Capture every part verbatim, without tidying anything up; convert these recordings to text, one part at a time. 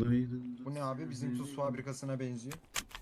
Bu ne abi? Bizim tuz fabrikasına benziyor.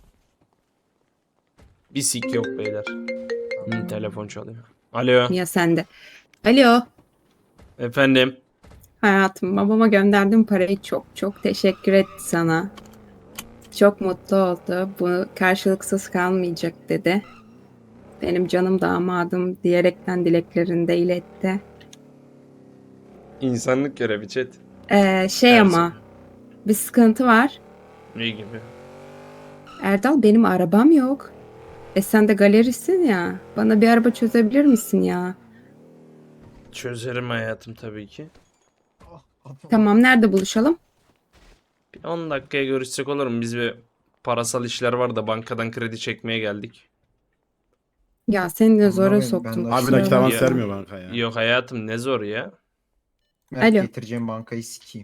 Bir sik yok beyler. Hı, telefon çalıyor. Alo. Ya sende. Alo. Efendim. Hayatım, babama gönderdim parayı, çok çok teşekkür etti sana. Çok mutlu oldu. Bu karşılıksız kalmayacak dedi. Benim canım damadım diyerekten dileklerini de iletti. İnsanlık görevi chat. Ee, şey Her ama bir sıkıntı var. Ne gibi? Erdal, benim arabam yok. E sen de galerisin ya. Bana bir araba çözebilir misin ya? Çözerim hayatım tabii ki. Ah, kafam. Tamam, nerede buluşalım? Bir on dakikaya görüşsek olur mu? Biz bir parasal işler var da bankadan kredi çekmeye geldik. Ya seni de zora Anlamayın, soktum. ben de- Abi kusura nakit bakma. avans Ya. vermiyor banka ya. Yok hayatım ne zor ya. Mert Alo. getireceğim bankayı sikeyim.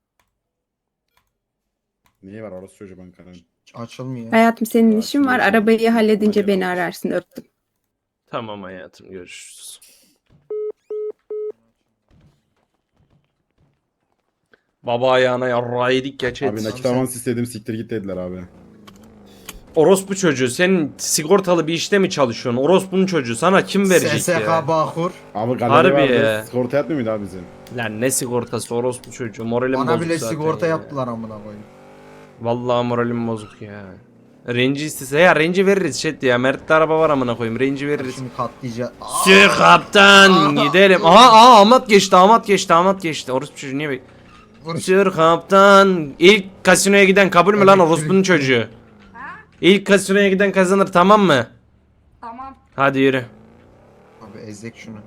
Niye var orası çocuğu bankanın? Açılmıyor. Hayatım, senin Ya, işin var. şimdi- Arabayı halledince Hadi beni bakalım. ararsın. Öptüm. Tamam hayatım görüşürüz. Baba ayağına yarrağı yedik ya chat. Abi nakit sen- avans istedim siktir git dediler abi. Orospu çocuğu sen sigortalı bir işte mi çalışıyorsun? Orospunun çocuğu sana kim verecek S S K ya? Bağkur. Abi Harbi galeri ya. vardı. Sigorta yatmıyor muydu abi bizim? Lan ne sigortası orospu çocuğu moralim Bana bozuk bile zaten sigorta ya. yaptılar amına koyayım. Vallahi moralim bozuk ya. Renci istese ya renci veririz chat ya. Mert'te araba var amına koyayım renci veririz. Şimdi katlayacağız. Sür kaptan gidelim. Aha aha Ahmet geçti Ahmet geçti Ahmet geçti. Orospu çocuğu niye bek? Sür kaptan. İlk kasinoya giden kabul mü lan Elektrik- orospunun çocuğu? İlk kasinoya giden kazanır tamam mı? Tamam. Hadi yürü. Abi ezek şunu.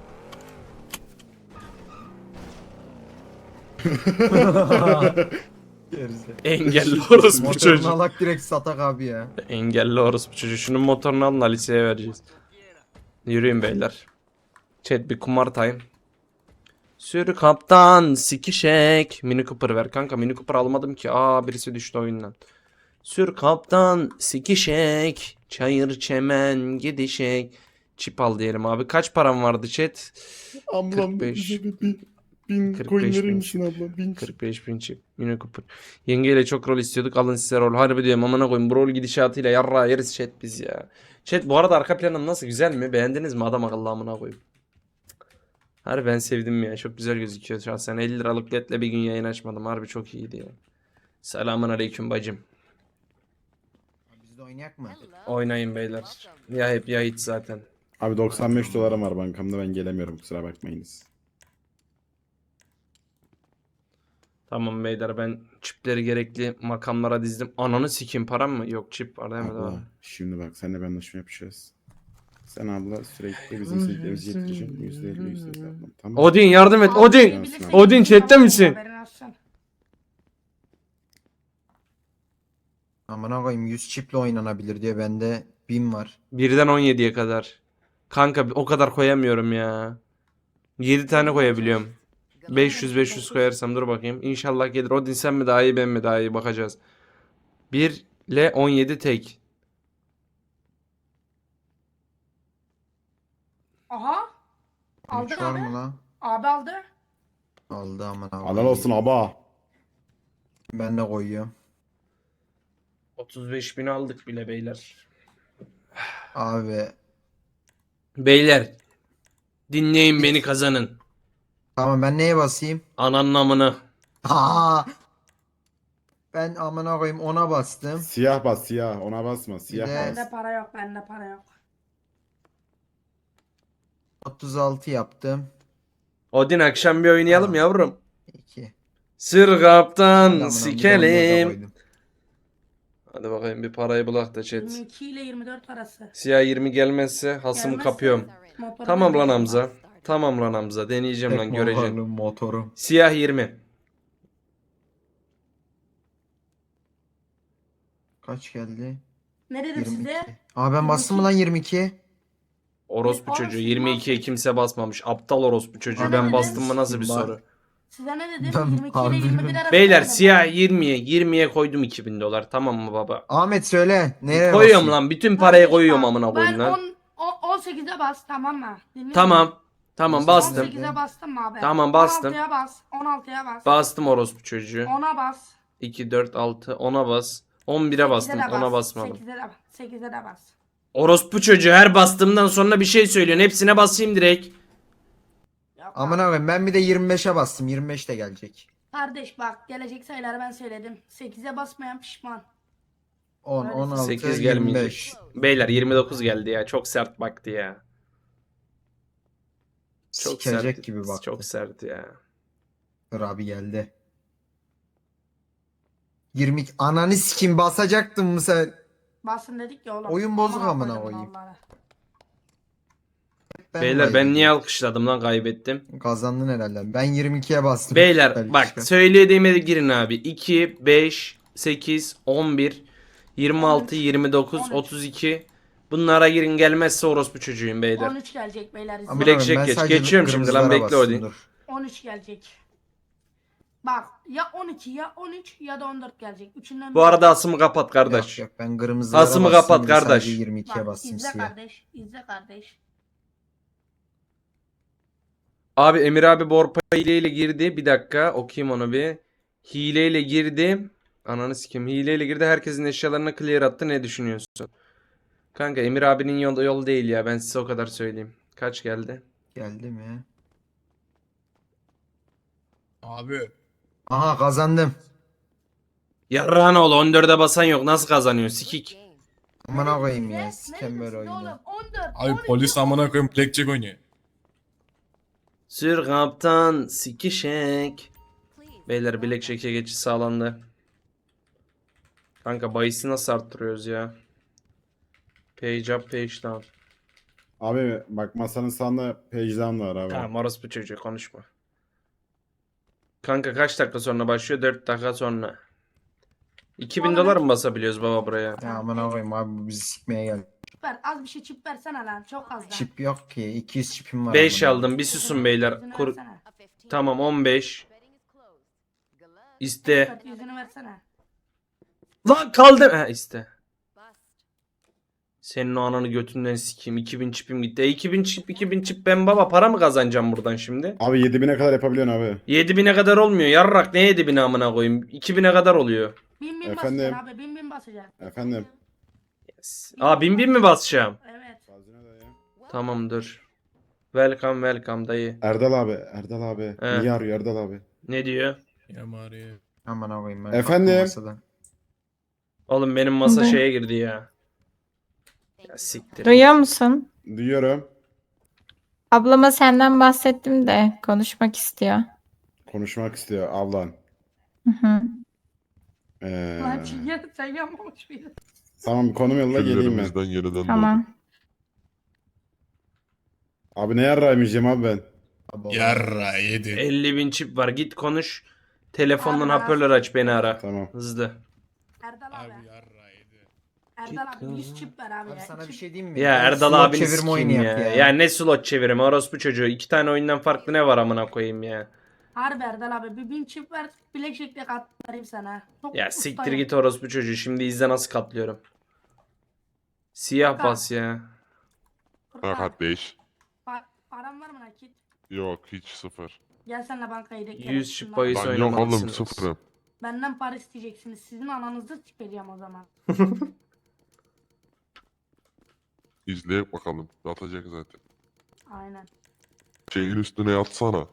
Gerizekalı. Engelli orospu Motorunu çocuğu. alak direkt satak abi ya. Engelli orospu çocuğu. Şunun motorunu alın da liseye vereceğiz. Yürüyün beyler. Chat bir kumar time. Sür kaptan sikişek. Mini Cooper ver kanka. Mini Cooper almadım ki. Aa birisi düştü oyundan. Sür kaptan sikişek. Çayır çemen gidişek. Çip al diyelim abi. Kaç param vardı chat? Ablam kırk beş. bize bir bin, bin kırk coin beş verir bin. misin abla? Bin. kırk beş bin çip. Mini Cooper. Yengeyle çok rol istiyorduk. Alın size rol. Harbi diyorum amına koyayım. Bu rol gidişatıyla yarra yeriz chat biz ya. Chat bu arada arka planım nasıl? Güzel mi? Beğendiniz mi? Adam akıllı amına koyayım. Harbi ben sevdim ya. Çok güzel gözüküyor şahsen. elli liralık ledle bir gün yayın açmadım. Harbi çok iyiydi ya. Selamun aleyküm bacım. Biz de oynayak mı? Oynayın beyler. Ya hep ya hiç zaten. Abi doksan beş dolarım var bankamda ben gelemiyorum kusura bakmayınız. Tamam beyler ben çipleri gerekli makamlara dizdim. Ananı sikim param mı? Yok çip var değil mi? Abla Daha? şimdi bak seninle bir anlaşma yapacağız. Sen abla sürekli bizim silklerimizi getireceksin. yüzde elli yüzde elli ablam. Tamam. Odin yardım et. Odin. Odin chatte misin? Haberin olsun. Amına koyayım yüz çiple oynanabilir diye bende bin var. birden on yediye kadar. Kanka o kadar koyamıyorum ya. yedi tane koyabiliyorum. beş yüz beş yüz koyarsam dur bakayım. İnşallah gelir. Odin sen mi daha iyi ben mi daha iyi bakacağız. bir ile on yedi tek. Aha. Aldın Üç var abi. mı lan? Abi aldı. Aldı amına koyayım. Alal olsun aba. Ben de koyuyorum. otuz beş bin aldık bile beyler. Abi. Beyler. Dinleyin beni kazanın. Tamam ben neye basayım? Ananın amını. Aa! Ben amına koyayım ona bastım. Siyah bas siyah ona basma siyah Bir de- bas. Bende para yok. Bende para yok. otuz altı yaptım. Odin akşam bir oynayalım Aa. yavrum. iki. Sır kaptan Amına, bir de onu da sikelim. koydum. Hadi bakayım bir parayı bulak da chat. yirmi iki ile yirmi dört arası. Siyah yirmi gelmezse hasımı Gelmezse kapıyorum. motoru Tamam lan ben- Hamza. Tamam lan Hamza. Deneyeceğim lan Tek göreceğim. motorlu motoru. Siyah yirmi. Kaç geldi? Ne dedim yirmi iki. size? Aa ben bastım mı lan yirmi iki? Orospu Oğlum, çocuğu. siz yirmi ikiye bastın. kimse basmamış. Aptal orospu çocuğu. Abi Ben ben bastım mı nasıl bir ben- soru? Size ne dedim? Ben yirmi iki ile harbi yirmi bir bilmiyorum. arası. Beyler dedim. siyah yirmiye. yirmiye koydum iki bin dolar. Tamam mı baba? Ahmet söyle. Nereye Koyuyorum basayım? lan. Bütün parayı Bak, koyuyorum bak, amına koyayım Ben lan. on- o- on sekize bas tamam mı? Dinliyor Tamam. musun? Tamam bastım. Bastım. on sekize bastım mı abi? Tamam, bastım. on altıya bas. on altıya bas. Bastım orospu çocuğu. ona bas. iki, dört, altı, ona bas. on bire bastım, sekize de ona bas, basmadım. sekize de bas. sekize de bas. Orospu çocuğu her bastığımdan sonra bir şey söylüyorsun. Hepsine basayım direkt. Yok Aman abi. abi ben bir de yirmi beşe bastım. yirmi beş de gelecek. Kardeş bak gelecek sayıları ben söyledim. sekize basmayan pişman. on, Öyle on altı, sekiz yirmi gelmeyecek. beş. Beyler yirmi dokuz geldi ya. Çok sert baktı ya. Çok Sikecek sert. gibi baktı. Çok sert ya. Dur abi geldi. yirmi iki. Ananı sikim basacaktın mı sen? Basın dedik ya oğlum. Oyun bozuk amına koydum koyayım. Allah'ına. Ben Beyler ben kaybediyorum. niye alkışladım lan, kaybettim. Kazandın herhalde. Ben yirmi ikiye bastım. Beyler Belki bak çıkar. söylediğime de girin abi. iki, beş, sekiz, on bir, yirmi altı, yirmi dokuz, on üç. otuz iki. Bunlara girin, gelmezse orospu çocuğuyum beyler. on üç gelecek beyler. izle. Aman Blackjack abi, ben geç. sadece Geçiyorum şimdi lan, kırmızılara bekle bastım, Odin. dur. on üç gelecek. Bak ya on iki ya on üç ya da on dört gelecek. Üçünden Bu biri. arada asımı kapat kardeş. Yok yok ben kırmızılara Asımı bastım. kapat bir de kardeş. sadece yirmi ikiye Bak, bastım izle siyah. kardeş. İzle kardeş. Abi Emir abi Borpa hileyle girdi. Bir dakika okuyayım onu bir. Hileyle girdi. Ananı sikeyim. Hileyle girdi. Herkesin eşyalarına clear attı. Ne düşünüyorsun? Kanka Emir abinin yolu yol değil ya. Ben size o kadar söyleyeyim. Kaç geldi? Geldi mi? Abi. Aha kazandım. Yarrağın oğlu on dörde basan yok. Nasıl kazanıyor? Sikik. Amına koyayım Ne? ya. Ne Sikem böyle diyorsun oyunu. oğlum? on dört. Abi on iki, polis amına koyayım blackjack oynuyor. Sür kaptan sikişek. Beyler Blackjack'e geçiş sağlandı. Kanka bahisi nasıl arttırıyoruz ya? Page up, page down. Abi bak masanın sağında page down var abi. Tamam orospu çocuğu konuşma. Kanka kaç dakika sonra başlıyor? dört dakika sonra. iki bin Oğlum, dolar mı ben- basabiliyoruz baba buraya? Ya amına koyayım abi bu bizi sikmeye geldi. Çip ver. Az bir şey çip versene lan. Çok az da. Çip yok ki. iki yüz çipim var. beş amına aldım. Bir susun beyler. Yüzünü Kur versene. tamam on beş. İste. Evet, yüzünü versene. Lan kaldım. Ha iste. Senin o ananı götünden sikeyim. iki bin çipim gitti. E, iki bin çip iki bin çip ben baba para mı kazanacağım buradan şimdi? Abi yedi bine kadar yapabiliyorsun abi. yedi bine kadar olmuyor. Yarrak ne yedi bine amına koyayım? iki bine kadar oluyor. Bin bin Efendim? basacaksın abi. Bin bin basacaksın. Efendim. Aa bin bin mi basacağım? Evet. Tamam dur. Welcome welcome dayı. Erdal abi, Erdal abi. He. Niye arıyor Erdal abi? Ne diyor? Ya Mario. Amına koyayım ben. Efendim? kalktım masadan. Oğlum benim masa Ne? şeye girdi ya. Ya siktir. Duyuyor musun? Duyuyorum. Ablama senden bahsettim de konuşmak istiyor. Konuşmak istiyor ablan. Hı hı. Ee, Lan çiğne sen yapmamış mıydın? tamam konum yolla geleyim ben. Küllerimizden yeniden Tamam. Abi ne yarrağıymışım abi ben. Abi, Yarra yedi. elli bin çip var. Git konuş. Telefondan Abi, hoparlör aç beni ara. Tamam. Hızlı. Erdal abi. Abi yarra yedi. Erdal abi yüz çip ver abi, Abi ya. sana bir İki- şey diyeyim mi? Ya Erdal Slot abini çevirme oyunu sikeyim yap ya. ya. ne slot çevirimi orospu çocuğu. İki tane oyundan farklı ne var amına koyayım ya. Harbi Erdal abi bir bin çip ver. Bilekçekle katlarım sana. Çok Ya ustayım. siktir git orospu çocuğu. Şimdi izle nasıl katlıyorum. Siyah Kanka. bas ya. Furkan, Ha kardeş. pa- param var mı nakit? Yok hiç sıfır. Gel senle bankaya gidelim. yüz Şundan. çip bahis Lan yok oğlum oynamalısınız. sıfırım. Benden para isteyeceksiniz. Sizin ananızı sikeceğim o zaman. İzleyek bakalım. Atacak zaten. Aynen. Şeyin üstüne yatsana.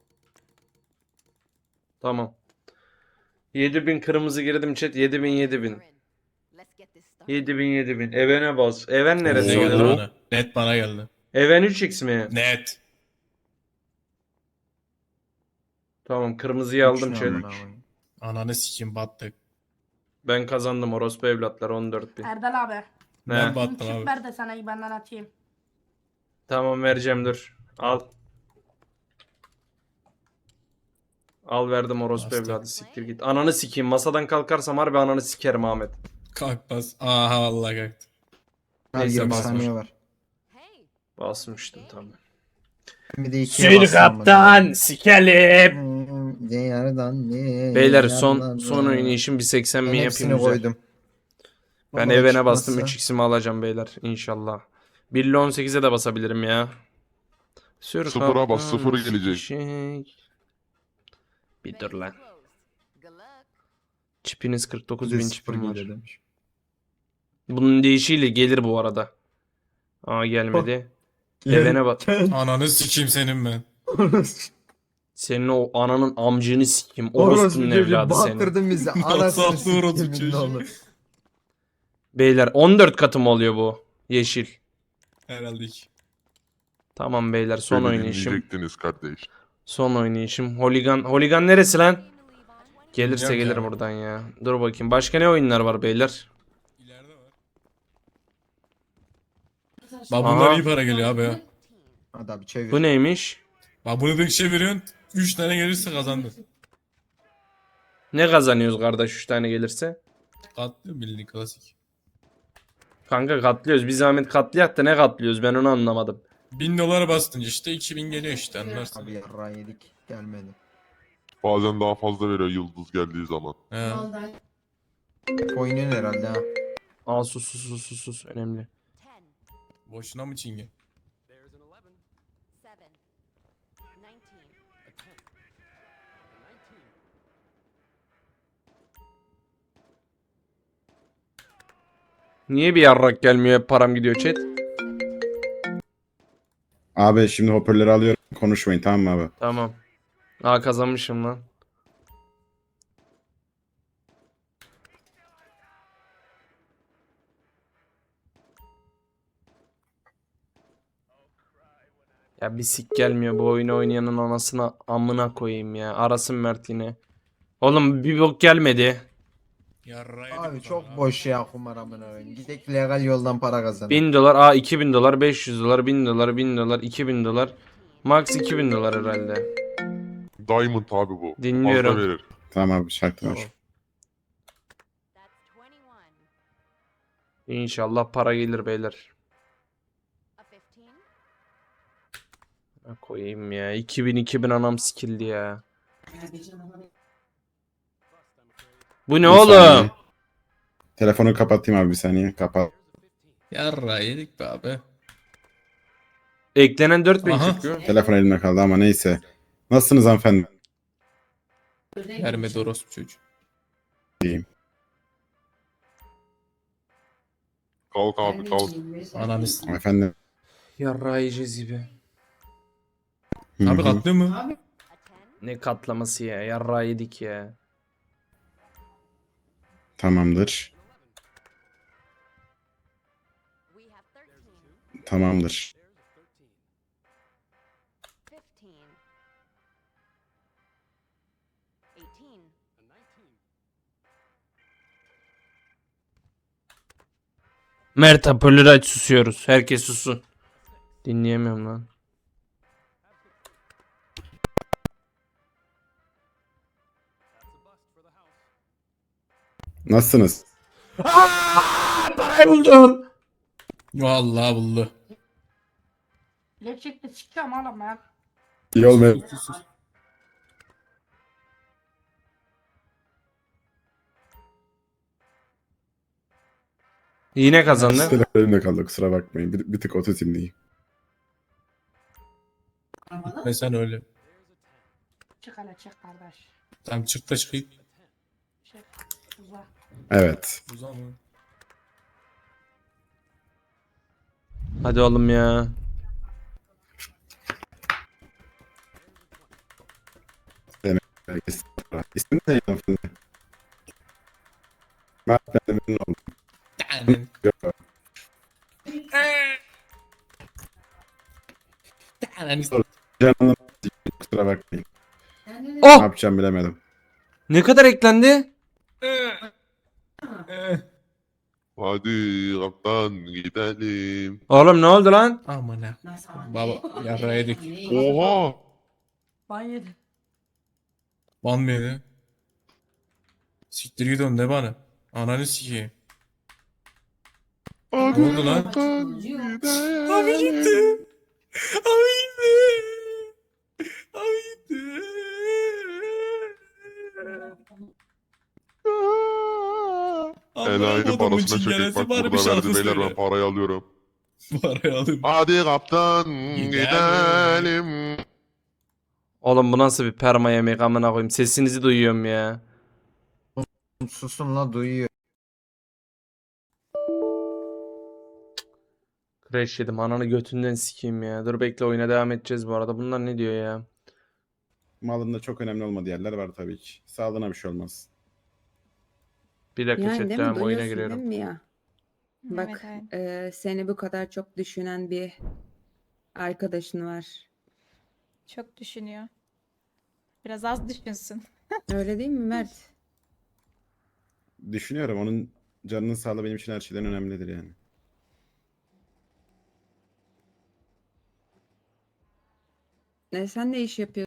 Tamam. yedi bin kırmızı girdim chat. yedi bin yedi bin. yedi bin yedi bin. Evene bas. Even neresi Ne geldi oluyor? bana? Net bana geldi. Even üç x mi? Net. Tamam kırmızıyı aldım Üç ne chat. amına koyayım? Ananı sikeyim battık. Ben kazandım orospu evlatlar on dört bin. Erdal abi. Ne? Ben Bin battım çip abi. ver de sana benden atayım. Tamam vereceğim dur. Al. Al verdim orospu Bastım. evladı siktir git. Ananı sikeyim masadan kalkarsam harbi ananı sikerim Ahmet. Kalk bas. Aha vallahi kalktı. Hadi Neyse, yirmi basmış. saniye var. Basmıştım tamam. Bir de ikiye Sür bastım amına kaptan koyayım. sikelim. Hmm, ne yardan ne Beyler yardan son ne. son oynayışım bir seksen Ben mi hepsini yapayım güzel. koydum. Ben Baba evene bastım çıkmazsa- üç x'imi alacağım beyler inşallah. bir ile on sekize de basabilirim ya. Sür Sıfıra bas, kaptan, sıfır gelecek. sikişek. Bir dur lan. Çipiniz kırk dokuz Bir bin de sıfır çipim var. geliyor demiş. Bunun değişiyle gelir bu arada. Aa gelmedi. Evene bak. Ananı sikeyim senin ben. Senin o ananın amcını sikeyim. Orospu Orospunun çocuğu evladı senin. baktırdın bizi. Nasıl Anasını haklı orospu sikeyim çocuğu? ne olur. Beyler on dört katı mı oluyor bu? Yeşil. Herhalde ki. Tamam beyler son Beni oynayışım. dinleyecektiniz kardeş. Son oynayışım. Holigan. Holigan neresi lan? Gelirse Bilmiyorum gelir ya. buradan ya. Dur bakayım. Başka ne oyunlar var beyler? İleride var. Bak bunlar Aha. iyi para geliyor abi ya. Hadi abi çevir. Bu neymiş? Bak bunu bir şey veriyorsun. üç tane gelirse kazandın. Ne kazanıyoruz kardeş üç tane gelirse? Katlıyor bildiğin klasik. Kanka katlıyoruz. Bir zahmet katlayak da ne katlıyoruz ben onu anlamadım. bin dolara bastın işte iki bin geliyor işte anlarsın. Abi yarrağı yedik. Gelmedi. Bazen daha fazla veriyor yıldız geldiği zaman. He. Oyunun herhalde ha. Aa sus sus sus sus sus. Önemli. Boşuna mı çingen? Niye bir yarrak gelmiyor hep param gidiyor chat? Abi şimdi hoparlörü alıyorum. Konuşmayın tamam mı abi? Tamam. Aa kazanmışım lan. Ya bir sik gelmiyor bu oyunu oynayanın anasına amına koyayım ya. Arasın Mert yine. Oğlum bir bok gelmedi. Yarra yedik Abi o çok zaman abi. boş ya kumar amına koyayım. Gidek legal yoldan para kazanalım. bin dolar, aa iki bin dolar, beş yüz dolar, bin dolar, bin dolar, iki bin dolar. Max iki bin dolar herhalde. Diamond abi bu. Dinliyorum. Fazla verir. Tamam abi şartlar. Tamam. İnşallah para gelir beyler. Ha, koyayım ya. iki bin iki bin anam sikildi ya. Bu ne Bir oğlum? saniye. Telefonu kapatayım abi bir saniye. Kapat. Yarra yedik be abi. Eklenen dört bin Aha. çıkıyor. Telefon elimde kaldı ama neyse. Nasılsınız hanımefendi? Vermedi orospu çocuğu. Kalk abi kalk. Ananı s- Efendim. Yarrağı yiyeceğiz gibi. Hı Abi hı. katlıyor mu? Ne katlaması ya. Yarrağı yedik ya. Tamamdır. Tamamdır. Mert hoparlörü aç susuyoruz. Herkes sussun. Dinleyemiyorum lan. Nasılsınız? Parayı buldum. Vallahi buldu. Gerçekten sikeceğim oğlum ya. İyi olmayan. Sus, sus. Yine kazandın. Telefon elimde kaldı kusura bakmayın. Bir, bir tık ototimdeyim. Ve sen öyle. Çık hele çık kardeş. Tamam çık da çıkayım. Çık. Uzak. Evet. O zaman. Hadi oğlum ya. İsmin ne hanımefendi? Mert ben de memnun oldum. Tanen. Tanen. Canım kusura bakmayın. Ne Oh! yapacağım bilemedim. Ne kadar eklendi? Hadi kaptan gidelim. Oğlum ne oldu lan? Aman ha. Baba yarra yedik. Oha. Ben yedim. Ban mı yedi? Siktir git oğlum ne bana? Ananı sikeyim. Ne oldu lan? Kaptan gidelim. Abi gitti. Abi gitti. Abi gitti. Enayinin Anlamadım bu parasına çökek çingenesi bak bari bir burada şarkı verdi beyler ben söyle. parayı alıyorum. Parayı alayım. Hadi kaptan Gidelim. gidelim. Oğlum bu nasıl bir perma yemek amına koyayım. Sesinizi duyuyorum ya. Susun la duyuyor. Crash yedim. Ananı götünden sikeyim ya. Dur bekle, oyuna devam edeceğiz bu arada. Bunlar ne diyor ya? Malında çok önemli olmadığı yerler var tabii ki. Sağlığına bir şey olmaz. Bir dakika Yani chat, değil mi? devam, oyuna Duyuyorsun giriyorum. değil mi ya? Bak Evet, evet. e, seni bu kadar çok düşünen bir arkadaşın var. Çok düşünüyor. Biraz az düşünsün. Öyle değil mi Mert? Düşünüyorum, onun canının sağlığı benim için her şeyden önemlidir yani. E, sen ne iş yapıyorsun?